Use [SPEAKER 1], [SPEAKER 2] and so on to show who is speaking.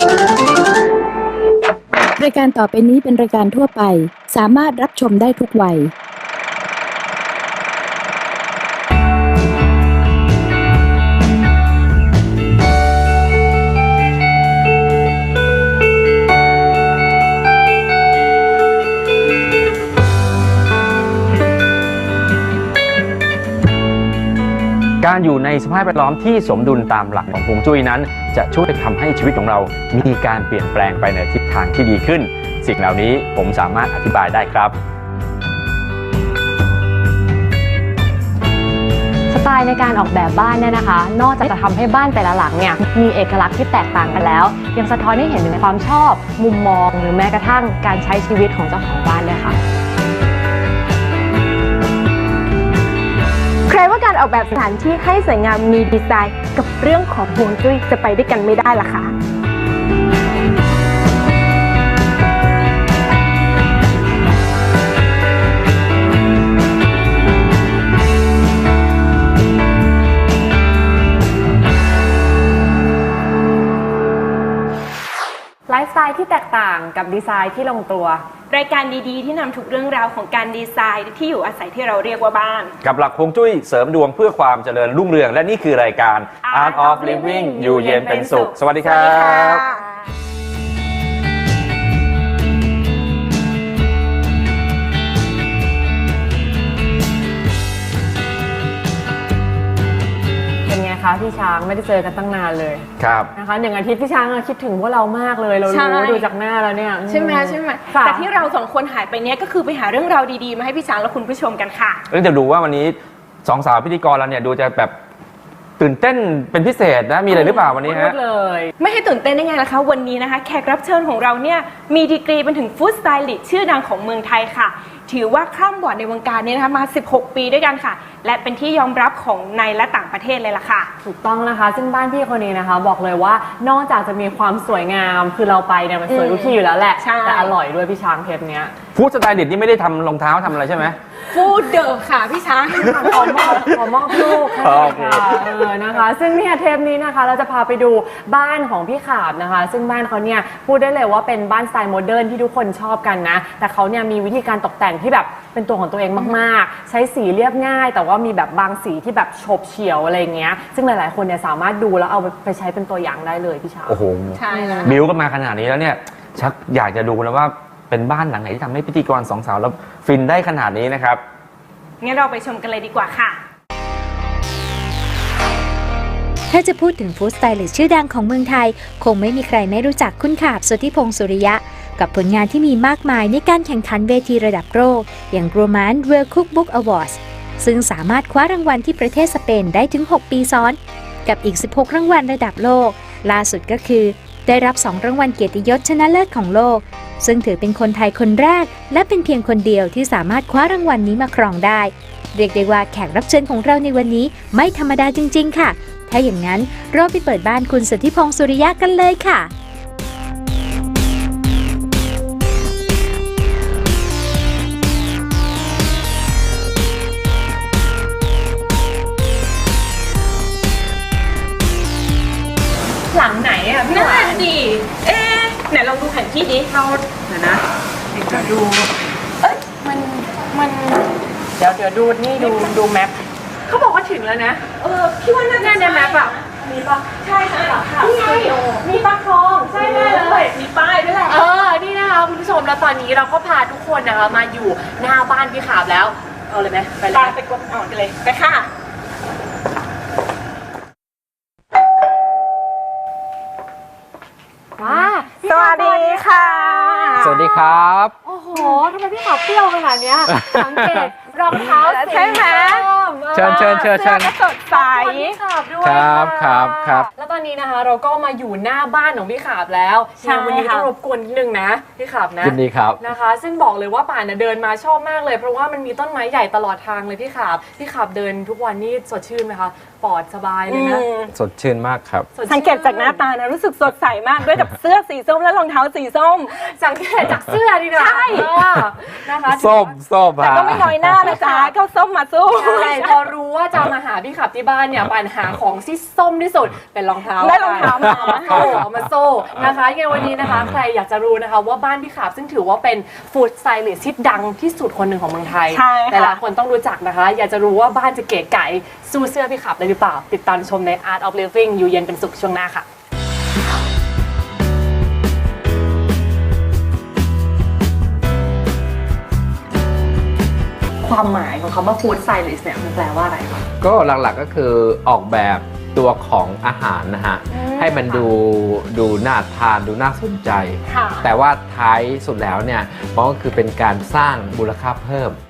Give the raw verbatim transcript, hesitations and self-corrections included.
[SPEAKER 1] รายการต่อไปนี้เป็นรายการทั่วไปสามารถรับชมได้ทุกวัย
[SPEAKER 2] การอยู่ในสภาพแวดล้อมที่สมดุลตามหลักของฮวงจุ้ยนั้นจะช่วยทำให้ชีวิตของเรามีการเปลี่ยนแปลงไปในทิศทางที่ดีขึ้นสิ่งเหล่านี้ผมสามารถอธิบายได้ครับ
[SPEAKER 3] สไตล์ในการออกแบบบ้านเนี่ยนะคะนอกจากจะทำให้บ้านแต่ละหลังเนี่ยมีเอกลักษณ์ที่แตกต่างกันแล้วยังสะท้อนให้เห็นถึงความชอบมุมมองหรือแม้กระทั่งการใช้ชีวิตของเจ้าของบ้านด้วยค่ะ
[SPEAKER 4] ใครว่าการออกแบบสถานที่ให้สวยงามมีดีไซน์กับเรื่องของฮวงจุ้ยจะไปด้วยกันไม่ได้ล่ะคะ
[SPEAKER 3] ไลฟ์สไตล์ที่แตกต่างกับดีไซน์ที่ลงตัว
[SPEAKER 4] รายการดีๆที่นำทุกเรื่องราวของการดีไซน์ที่อยู่อาศัยที่เราเรียกว่าบ้าน
[SPEAKER 2] กับหลักฮวงจุ้ยเสริมดวงเพื่อความเจริญรุ่งเรืองและนี่คือรายการ Art of Living อยู่เย็นเป็นสุขสวัสดีครับ
[SPEAKER 3] พี่ช้างไม่ได้เจอกันตั้งนานเลย
[SPEAKER 2] ครับ
[SPEAKER 3] นะคะหนึ่งอาทิตย์พี่ช้างคิดถึงพวกเรามากเลยเรารู้ดูจากหน้าแล้วเนี่ย
[SPEAKER 4] ใช่ไหมใช่ไหมแต่ที่เราสองคนหายไปเนี้ยก็คือไปหาเรื่องราวดีๆมาให้พี่ช้างและคุณผู้ชมกันค่ะ
[SPEAKER 2] เรื่องจะดูว่าวันนี้สองสาวพิธีกรเราเนี่ยดูจะแบบตื่นเต้นเป็นพิเศษนะมีอะไรหรือเปล่าวันนี้ฮะ
[SPEAKER 4] เลยไม่ให้ตื่นเต้นได้ไงล่ะคะวันนี้นะคะแขกรับเชิญของเราเนี่ยมีดีกรีเป็นถึงฟู้ดสไตลิสต์ชื่อดังของเมืองไทยค่ะถือว่าคร่ำวอดในวงการนี้นะคะมาสิบหกปีด้วยกันค่ะและเป็นที่ยอมรับของในและต่างประเทศเลยล่ะค่ะ
[SPEAKER 3] ถูกต้องนะคะซึ่งบ้านพี่คนนี้นะคะบอกเลยว่านอกจากจะมีความสวยงามคือเราไปเนี่ยมันสวยทุกที่อยู่แล้วแหละแต่อร่อยด้วยพี่ช้างเทปเนี้ย
[SPEAKER 2] ฟู้ดสไตลิสต์นี่ไม่ได้ทำรองเท้าทำอะไรใช่ไหม
[SPEAKER 4] ฟู้ดเดอร์ค่ะพี่ช้าง
[SPEAKER 3] ขอมอบขอมอบลูกค่ะเออนะคะซึ่งเนี่ยเทปนี้นะคะเราจะพาไปดูบ้านของพี่ขาบนะคะซึ่งบ้านเขาเนี่ยพูดได้เลยว่าเป็นบ้านสไตล์โมเดิร์นที่ทุกคนชอบกันนะแต่เขาเนี่ยมีวิธีการตกแต่งที่แบบเป็นตัวของตัวเองมากๆใช้สีเรียบง่ายแต่ว่ามีแบบบางสีที่แบบโฉบเฉี่ยวอะไรเงี้ยซึ่งหลายๆคนเนี่ยสามารถดูแล้วเอาไปใช้เป็นตัวอย่างได้เลยพี่ช้าง
[SPEAKER 2] โอ้โห
[SPEAKER 4] ใช่แล้ว
[SPEAKER 2] บิวก็มาขนาดนี้แล้วเนี่ยชักอยากจะดูแล้วว่าเป็นบ้านหลังไหนที่ทำให้พิธีกรสองสาวแล้วฟินได้ขนาดนี้นะครับ
[SPEAKER 4] งั้นเราไปชมกันเลยดีกว่าค่ะ
[SPEAKER 5] ถ้าจะพูดถึงฟู้ดสไตลิสต์ชื่อดังของเมืองไทยคงไม่มีใครไม่รู้จักคุณขาบสุทธิพงศ์สุริยะกับผลงานที่มีมากมายในการแข่งขันเวทีระดับโลกอย่าง Gourmand World Cookbook Awards ซึ่งสามารถคว้ารางวัลที่ประเทศสเปนได้ถึงหกปีซ้อนกับอีกสิบหกรางวัลระดับโลกล่าสุดก็คือได้รับสองรางวัลเกียรติยศชนะเลิศของโลกซึ่งถือเป็นคนไทยคนแรกและเป็นเพียงคนเดียวที่สามารถคว้ารางวัลนี้มาครองได้เรียกได้ว่าแขกรับเชิญของเราในวันนี้ไม่ธรรมดาจริงๆค่ะถ้าอย่างนั้นเราไปเปิดบ้านคุณสุทธิพงศ์สุริยะกันเลยค่ะ
[SPEAKER 4] หลังไหนอ่ะพี่หวานดีเอ๊ะไหนลองดูแผนที่ดิเราเดี๋ยวนะเดี๋ยวดูเอ้ยมันมัน
[SPEAKER 3] เดี๋ยวเดี๋ยวดูนี่ดูดูแมป
[SPEAKER 4] เขาบอกว่าถึงแล้วนะเออพี่ว่าน่าจะในแมปอ่ะมีปะใช่ค่ะนี่ไงมีปลาคลองใช่แน่เลยมีป้ายด้วยแหละ
[SPEAKER 3] เออนี่นะคะคุณผู้ชมแล้วตอนนี้เราก็พาทุกคนนะคะมาอยู่หน้าบ้านพี่ขาบแล้วเอาเลยไหมไปเลย
[SPEAKER 4] ไปกดอ่อนกันเลยไปค่ะ
[SPEAKER 3] ว้า
[SPEAKER 4] สวัสดีค่ะ
[SPEAKER 2] สวัสดีครับ
[SPEAKER 3] โอ้โหทำไมพี่ขาบเปรี้ยวขนาดนี้สังเกตรองเท้า
[SPEAKER 4] ใช่ไหม
[SPEAKER 2] เชิญเชิญเชิญเชิญ
[SPEAKER 4] สดใส
[SPEAKER 2] ครับครับครับ
[SPEAKER 3] แล้วตอนนี้นะคะเราก็มาอยู่หน้าบ้านของพี่ขาบแล้ววันนี้ต้องรบกวนนิดนึงนะพี่ขาบนะ
[SPEAKER 2] ยินดีครับ
[SPEAKER 3] นะคะซึ่งบอกเลยว่าป่านเดินมาชอบมากเลยเพราะว่ามันมีต้นไม้ใหญ่ตลอดทางเลยพี่ขาบพี่ขาบเดินทุกวันนี่สดชื่นไหมคะปลอดสบายเลยนะ
[SPEAKER 2] สดชื่นมากครับ
[SPEAKER 4] สังเกตจากหน้าตานะรู้สึกสดใสมากด้วยกับเสื้อสีส้มและรองเท้าสีส้ม
[SPEAKER 3] สังเกตจากเสื้อดีนะ
[SPEAKER 4] ใช่
[SPEAKER 3] นะคะ
[SPEAKER 2] ส้มส้ม
[SPEAKER 4] แต่ก็ไม่น้อยหน้านะจ๊ะก็ส้มมาสู้
[SPEAKER 3] ใช่พอรู้ว่าจะมาหาพี่ขับที่บ้านเนี่ยปัญหาของที่ส้มที่สุดเป็นรองเท้า
[SPEAKER 4] ได้รองเท้ามา
[SPEAKER 3] โซ่เอามาโซ่นะคะยังไงวันนี้นะคะใครอยากจะรู้นะคะว่าบ้านพี่ขาบซึ่งถือว่าเป็นฟู้ดสไตลิสต์ที่ดังที่สุดคนหนึ่งของเมืองไทย
[SPEAKER 4] ใช่ค่ะ
[SPEAKER 3] แต่ละคนต้องรู้จักนะคะ อยากจะรู้ว่าบ้านจะเก๋ไก๋สู้เสื้อพี่ขาบได้หรือเปล่า ติดตามชมใน Art of Living อยู่เย็นเป็นสุขช่วงหน้าค่ะความหมายของคำว่าฟู้ดสไตลิสต์เนี่ยมันแปลว่าอะไรคะ
[SPEAKER 6] ก็หลักๆก็คือออกแบบตัวของอาหารนะฮะ
[SPEAKER 3] อืม
[SPEAKER 6] ให้มันดูดูน่าทานดูน่าสนใจ
[SPEAKER 3] ค่ะ
[SPEAKER 6] แต่ว่าท้ายสุดแล้วเนี่ยมันก็คือเป็นการสร้างมูลค่าเพิ่ม